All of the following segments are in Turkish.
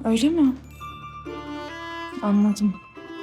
Öyle mi? Anladım.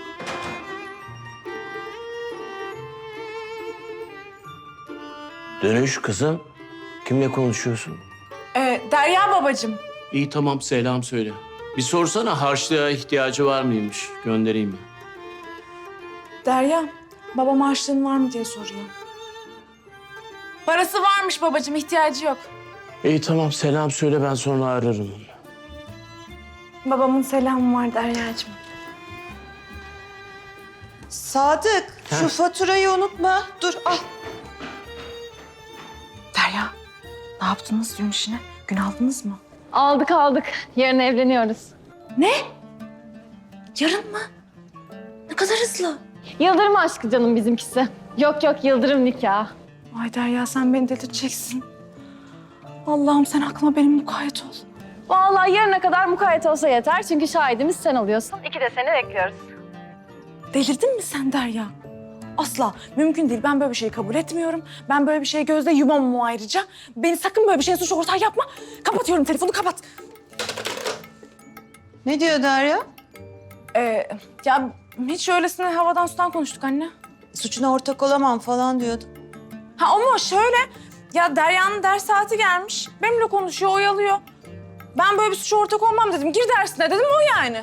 Dönüş kızım. Kimle konuşuyorsun? Derya babacığım. İyi tamam selam söyle. Bir sorsana harçlığa ihtiyacı var mıymış? Göndereyim mi? Derya, babam harçlığın var mı diye soruyor. Parası varmış babacığım, ihtiyacı yok. İyi tamam selam söyle ben sonra ararım onu. Babamın selamı var Derya'cığım. Sadık, şu faturayı unutma. Dur, al. Derya, ne yaptınız düğün işine? Gün aldınız mı? Aldık. Yarın evleniyoruz. Ne? Yarın mı? Ne kadar hızlı. Yıldırım aşkı canım bizimkisi. Yok Yıldırım nikahı. Ay Derya, sen beni delirteceksin. Allah'ım sen aklıma benim mukayyet ol. Vallahi yarına kadar mukayyet olsa yeter. Çünkü şahidimiz sen oluyorsun. İki de seni bekliyoruz. Delirdin mi sen Derya? Asla. Mümkün değil. Ben böyle bir şeyi kabul etmiyorum. Ben böyle bir şeye gözde yumamam ayrıca. Beni sakın böyle bir şeye suç ortağı yapma. Kapatıyorum telefonu, kapat. Ne diyor Derya? Ya hiç öylesine havadan sudan konuştuk anne. Suçuna ortak olamam falan diyordu. Ha ama şöyle, ya Derya'nın ders saati gelmiş. Benimle konuşuyor, oyalıyor. Ben böyle bir suça ortak olmam dedim. Gir dersine dedim, o yani.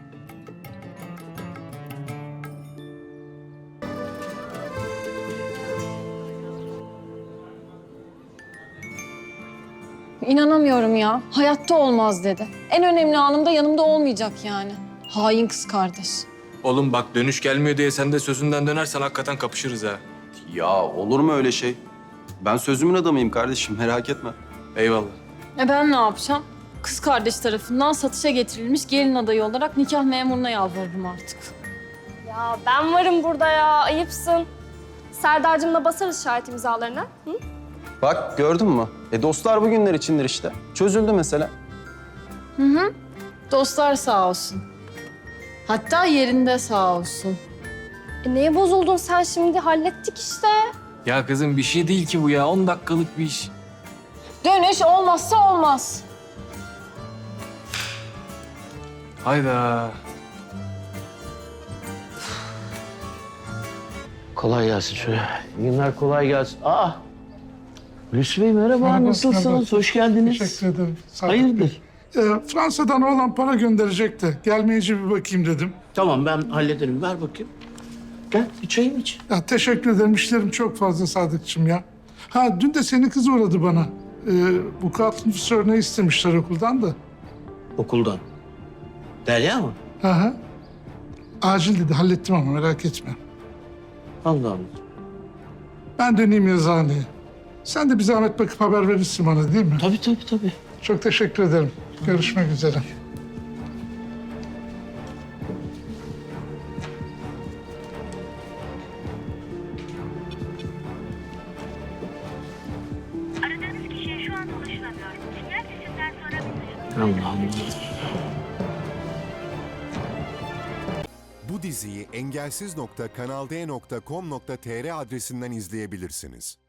İnanamıyorum ya. Hayatta olmaz dedi. En önemli anımda yanımda olmayacak yani. Hain kız kardeş. Oğlum bak dönüş gelmiyor diye sen de sözünden dönersen hakikaten kapışırız ha. Ya olur mu öyle şey? Ben sözümün adamıyım kardeşim, merak etme. Eyvallah. Ben ne yapacağım? Kız kardeş tarafından satışa getirilmiş gelin adayı olarak nikah memuruna yalvarırım artık. Ya ben varım burada ya, ayıpsın. Serdar'cığımla basarız şahit imzalarına. Hı? Bak gördün mü? Dostlar bugünler içindir işte. Çözüldü mesele. Dostlar sağ olsun. Hatta yerinde sağ olsun. Neye bozuldun sen şimdi? Hallettik işte. Ya kızım bir şey değil ki bu ya. 10 dakikalık bir iş. Dönüş olmazsa olmaz. Hayda. Kolay gelsin şöyle. İyi günler kolay gelsin. Aa! Hulusi Bey merhaba, nasılsınız? merhaba. Hoş geldiniz. Teşekkür ederim. Sadık Hayırdır? Bey. Fransa'dan oğlan para gönderecekti. Gelmeyince bir bakayım dedim. Tamam ben hallederim. Ver bakayım. Gel bir çayım iç. Ya teşekkür ederim. İşlerim çok fazla Sadıkçım ya. Ha dün de senin kız uğradı bana. Vukuat nüfus örneği istemişler okuldan da. Okuldan. Derya mı? Hı. Acil dedi. Hallettim ama merak etme. Allah Allah. Ben döneyim yazıhaneye. Sen de bir zahmet bakıp haber verirsin bana değil mi? Tabii. Çok teşekkür ederim. Görüşmek üzere. Aradığınız kişiye şu anda ulaşılamıyor. Sinyal sesinden sonra mesaj Allah Allah. Bu diziyi engelsiz.kanalde.com.tr adresinden izleyebilirsiniz.